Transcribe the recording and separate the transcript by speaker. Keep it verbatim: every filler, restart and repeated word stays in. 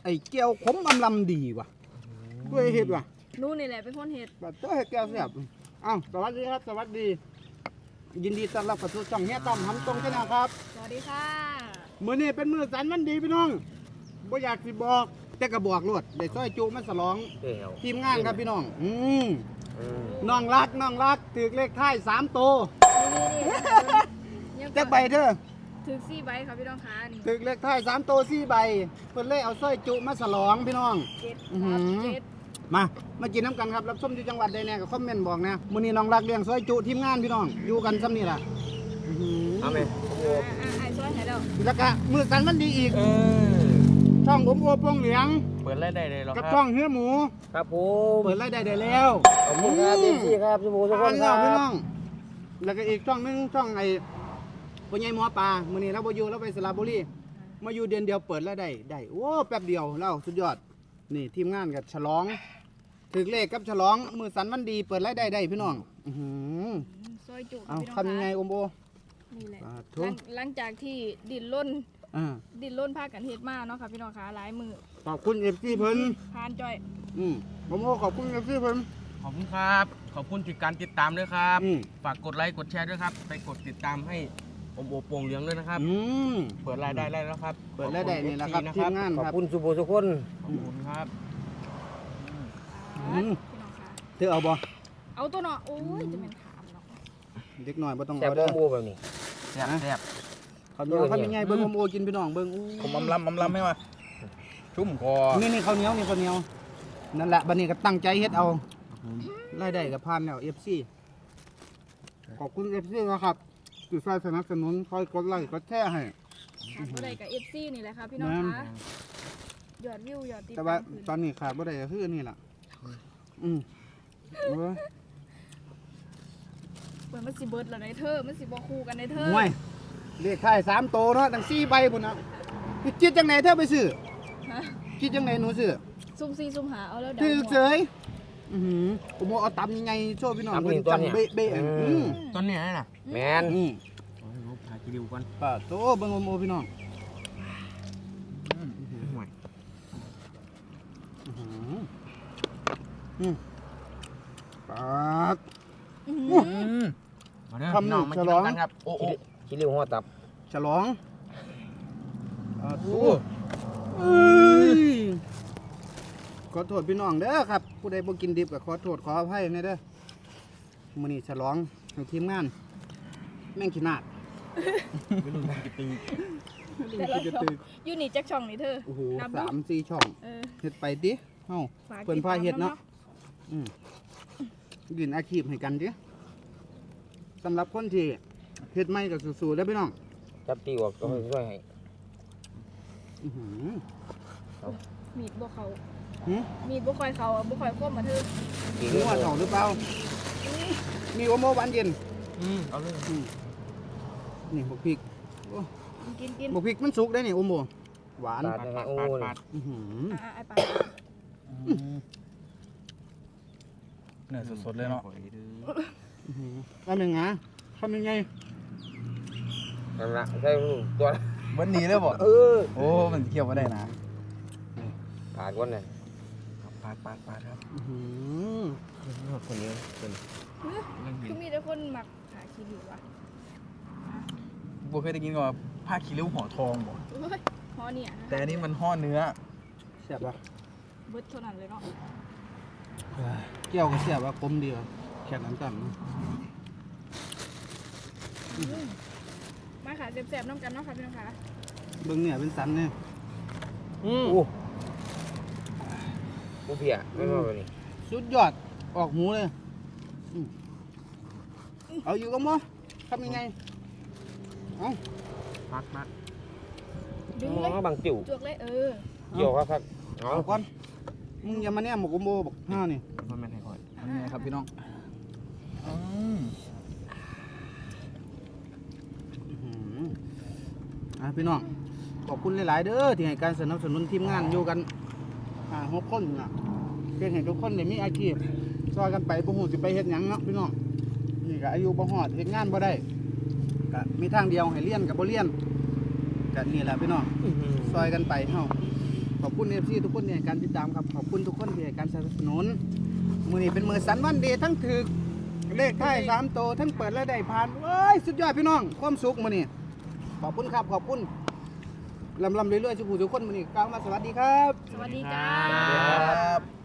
Speaker 1: ไอ้แก้วขมอำลำดีว่ะด้วยเห็ดว่ะ
Speaker 2: นู่นนี่แหละเป็นคนเห็ด
Speaker 1: แบบตัวเห็ดแก้วแซ่บอ้าวสวัสดีครับสวัสดียินดีต้อนรับเข้าสู่ช่องเฮียต้อมทำตรงกันนะครับ
Speaker 2: สวัสดีค่ะ
Speaker 1: มื้อนี้เป็นมื้อสันวันดีพี่น้องบ่อยากสิบอกแต่ก็บอกรวดได้ซอยจุมาฉลองทีมงานครับพี่น้องอืมน้องรักน้องรักถือเลขท้ายสามโตว
Speaker 2: นี่
Speaker 1: จักใบเด้อ
Speaker 2: ถึงสี่ใบครับพี่น้องคะนี่
Speaker 1: ถือเลขท้ายสามโตวสี่ใบเพิ่นเลยเอาซอยจุมาฉลองพี่น้อง
Speaker 2: เจ็ด
Speaker 1: อื้อ
Speaker 2: ค
Speaker 1: หื
Speaker 2: รับ
Speaker 1: อ
Speaker 2: เจ็ด
Speaker 1: มามากินน้ำกันครับรับส้มอยู่จังหวัดใดแน่ก็คอมเมนต์บอกนะมื้อนี้น้องรักเลี้ยงซอยจุทีมงานพี่น้องอยู่กันซ้ำนี่ล่ะอื้อหือ
Speaker 3: เอาไหม
Speaker 2: อ่าอ่าไอ้ซอยไหนแล้ว
Speaker 1: แล้วก็มื้อสันวันดีอีก
Speaker 3: เออ
Speaker 1: ช่องผมโอปงเหลียง
Speaker 3: เปิดไล่ได้เลยหรอค
Speaker 1: กั
Speaker 3: รั
Speaker 1: บบ ช่องเฮือหมู
Speaker 3: ครับผม
Speaker 1: เปิดรายได้ได้แล้ว
Speaker 3: ขอบคุณครับเอฟซีครับสมูทุกคนค
Speaker 1: อ่า
Speaker 3: รับ
Speaker 1: พี่น้องแล้วก็อีกช่องหนึงช่องไอ้ปัญญาหมอปลามื้อนี้เราบ่อยู่เราไปสระบุรีมาอยู่เดือนเดียวเปิดรายได้ได้โอ้แป๊บเดียวแล้วสุดยอดนี่ทีมงานกับฉลองถึกเลขกับฉลองมือสันวันดีเปิดรายได้ได้พี่น้องอื้อหือ
Speaker 2: ซอยจุ
Speaker 1: เอา
Speaker 2: พี่น้อง
Speaker 1: ทำยังไง
Speaker 2: คะ
Speaker 1: อมโบ
Speaker 2: นี่แหละ
Speaker 1: อ่า
Speaker 2: ห
Speaker 1: ทุ
Speaker 2: ลั
Speaker 1: ก
Speaker 2: งหลังจากที่ดินล้น
Speaker 1: อ่า
Speaker 2: ดินล้นพากันเฮ็ดมาเนาะค่ะพี่น้องคะหลายมือ
Speaker 1: ขอบคุณเอฟซีเพิ่น
Speaker 2: พานจ้อย
Speaker 1: อืมผมโอขอบคุณเอฟซีเพิ่น
Speaker 3: ขอบคุณครับ ขอบคุณที่การติดตามด้วยครับ
Speaker 1: อืม
Speaker 3: ฝากกดไลค์กดแชร์ด้วยครับ ไปกดติดตามให้ผมโอโป่งเหลืองด้วยนะครับ
Speaker 1: อืม
Speaker 3: เปิดรายได้ได้แล้วครับ
Speaker 1: เปิดรายได้นี่แหละครับ
Speaker 3: ขอณ
Speaker 1: ทีมงาน
Speaker 3: ข
Speaker 1: ค
Speaker 3: อบ
Speaker 1: รับ
Speaker 3: คุณสุโบทุกคนขอบคุณครับ
Speaker 1: อืม
Speaker 2: พี่น้องคะ
Speaker 1: เธอเอาบ่
Speaker 2: เอาตัวเนาะโอ้ยจะเป็นขามเนาะ
Speaker 1: เด็กหน่อยบ่ต้อง
Speaker 3: แซ่บ
Speaker 1: เอา
Speaker 3: โม
Speaker 1: เด้อ
Speaker 3: โมแบบนี้แซ่บแซ่บ
Speaker 1: ข้าวเหนียวข้าวยังไงเบิ่งอมโอกินพี่น้องเบิ่งอู้
Speaker 4: ผมอำลำอำลำให้มาชุ่มคอ
Speaker 1: นี่นี่ข้าวเหนียวนี่ข้าวเหนียวนั่นแหละบัดนี้ก็ตั้งใจเฮ็ดเอารายได้ก็ผ่านแล้ว เอฟ ซี ขอบคุณ เอฟ ซี นะครับที่ช่วยสนับสนุนคอยกดไลค์กดแชร์ให้
Speaker 2: ขาดบ่ได้กับเอฟซีนี่แหละค่ะพี่น้อง
Speaker 1: แม่น
Speaker 2: คะยอดวิวยอดติด
Speaker 1: แต่
Speaker 2: ตา
Speaker 1: ว่าม
Speaker 2: ขึ้น
Speaker 1: ตอนนี้ขาดบ่ได้ก็คืออันนี่ล่ะอืมเออ
Speaker 2: เปิดมันสิเบิดแล้วในเธอมันสิบ่คู่กันในเธอ
Speaker 1: ห่วยเลขท้ายสามโตวเนาะตั้งสี่ใบพุ่นน่ะคิดจังไหนเธอไปซื้อ
Speaker 2: ฮะ
Speaker 1: คิดจังไหนหนูซื้อ
Speaker 2: ซุ่มซีซุ่มหาเอาแล้วเดา
Speaker 1: ถือ
Speaker 2: หัว
Speaker 1: เฉยอือหือผมเอาตำยังไงโชว์พี่น้องเพิ่นจำเบ๊ะเบ๊ะๆอืม
Speaker 3: ต้นนี้อะไรน่ะแมน
Speaker 1: อืม
Speaker 3: ลบหากิริวก่อน
Speaker 1: ป้าโตเบิ่งโอมโอพี่น้อง
Speaker 3: ห่วย
Speaker 1: อื้อหืออืมปาด
Speaker 2: อื้อหือ
Speaker 3: มาเด้อ
Speaker 1: คำ
Speaker 3: พี่น้อง
Speaker 1: หนึ่
Speaker 3: มาง กิน
Speaker 1: ฉลอง
Speaker 3: กันครับโอ้โอ้
Speaker 4: คิริวหัวตับ
Speaker 1: ฉลองปาดโต
Speaker 3: โอ้
Speaker 1: เอ้ยขอโทษพี่น้องเด้อครับ ผู้ใดบ่กินดิบก็ขอโทษขออภัยแน่เด้อมื้อนี้ฉลองให้ทีมงาน แม่งขี้นาด
Speaker 3: ไม่รู้จะตื่น
Speaker 2: แต่ละ
Speaker 1: จะ
Speaker 2: ช่อง
Speaker 1: ตื่น
Speaker 2: อยู่นี่จักช่องนี่เธอ
Speaker 1: โอ้โห
Speaker 2: นับดู
Speaker 1: สามสี่ช่อง
Speaker 2: เออ
Speaker 1: เฮ็ดไปดิเฮา
Speaker 2: ฝาก
Speaker 1: เพิ่น
Speaker 2: ติด
Speaker 1: พา
Speaker 2: ตม
Speaker 1: เฮ็ดเนาะ
Speaker 2: ำ
Speaker 1: อืมยืนอาชีพให้กันดิสำหรับคนที่เฮ็ดใหม่ก็สู้ๆเด้อพี่น้อง
Speaker 4: จับตีออกก็ช่วยให้
Speaker 1: อื้อหือ
Speaker 2: มีดบ่เขา
Speaker 1: หือ
Speaker 2: มีดบ่ค่อยเขาบ่ค่อยคมมาเธอ
Speaker 4: ตี
Speaker 1: รู้ว่าเฒ่าหรือเปล่า มีโอโมหวานเย็น
Speaker 3: อืมเอาเลย
Speaker 1: อืมนี่บักพริกโอ้
Speaker 2: กินกิน
Speaker 1: บักพริกมันสุกได้นี่โอโมหวาน
Speaker 4: ปาด
Speaker 3: ปาด
Speaker 4: นะ
Speaker 3: ปา
Speaker 4: ฮะ
Speaker 3: ด
Speaker 4: โอ้
Speaker 3: ปาด
Speaker 4: ย
Speaker 3: ปาด
Speaker 1: อื้อหือ
Speaker 2: อ่าไอ้ปลา
Speaker 4: เนื้อสดๆเลยเนาะ
Speaker 1: อื้อหือแล้วเป็นไงทำยังไง
Speaker 4: นั่นละใช่ลูกตัว
Speaker 5: วันนี้เลยบ่
Speaker 4: เออ
Speaker 5: โอ้ มันเที่ยวมาได้นะ
Speaker 4: ปาดก้นเลย
Speaker 5: ปาดปาดปาดครับ
Speaker 1: อื้อหือ
Speaker 4: คนนี้คน
Speaker 2: คือมีแต่คนมักหาคิดอยู่ว่ะ
Speaker 5: บัวเคยได้กินว่าผ้าขี้ริ้วห่อทองบ่
Speaker 2: โอ้ยพอเนี่ย
Speaker 5: แต่อันนี้มันห่อเนื้อ
Speaker 1: แซ่บปะ
Speaker 2: เบิดเท่านั้นเลยเนาะ
Speaker 1: เกี่ยวก็แซ่บว่ะกลมเดียวแค่นั้นกัน
Speaker 2: มาค่ะแซ่บๆน้ำกันเนาะค่ะพี่น้องค่ะ
Speaker 1: เบิ่งเนี่ยเป็นสันเนี่ย
Speaker 3: อืม
Speaker 4: โอ้กูเพียไม่มาแบบนี้
Speaker 1: สุดยอดออกหมูเลยอืมเอาอยู่กับหมอทำยังไงเอา
Speaker 3: ปาดปาด
Speaker 2: ดึง
Speaker 4: ม
Speaker 2: เลย
Speaker 4: องบางจิ๋ว
Speaker 2: จวกเลยเออ
Speaker 4: เกี่ยวครับครับเอา
Speaker 1: เอาก่อนมึงอย่ามาเนี่ยหมกโอโมบอกห้านี่
Speaker 3: มันไม่ให้คอย
Speaker 5: อันนี้ครับพี่น้องอืม
Speaker 1: อื้อหืออ่ะพี่น้องขอบคุณหลาย ๆ เด้อที่ให้การสนับสนุนทีมงานอยู่กันอ่าหกคนนะเพื่อให้ทุกคนได้มีอาชีพซอยกันไปบ่ฮู้สิไปเฮ็ดหยังเนาะพี่น้องนี่ก็อายุบ่ฮอดเฮ็ดงานบ่ได้ก็มีทางเดียวให้เรียนกับบ่เรียนก็นี่แหละพี่น้องซอยกันไปเฮาขอบคุณเอฟซีทุกคนที่ให้การติดตามครับขอบคุณทุกคนที่ให้การสนับสนุนมือนี้เป็นมือสันวันดีทั้งถือเลขท้ายสามโตวทั้งเปิดและได้ผ่านเอ้ยสุดยอดพี่น้องความสุขมือนี้ขอบคุณครับขอบคุณลำลำเรื่อยๆทุกผู้ทุกคนมือนี้กล่าวมาสวัสดีครับ
Speaker 2: สวัสดีจ้า
Speaker 5: ครับ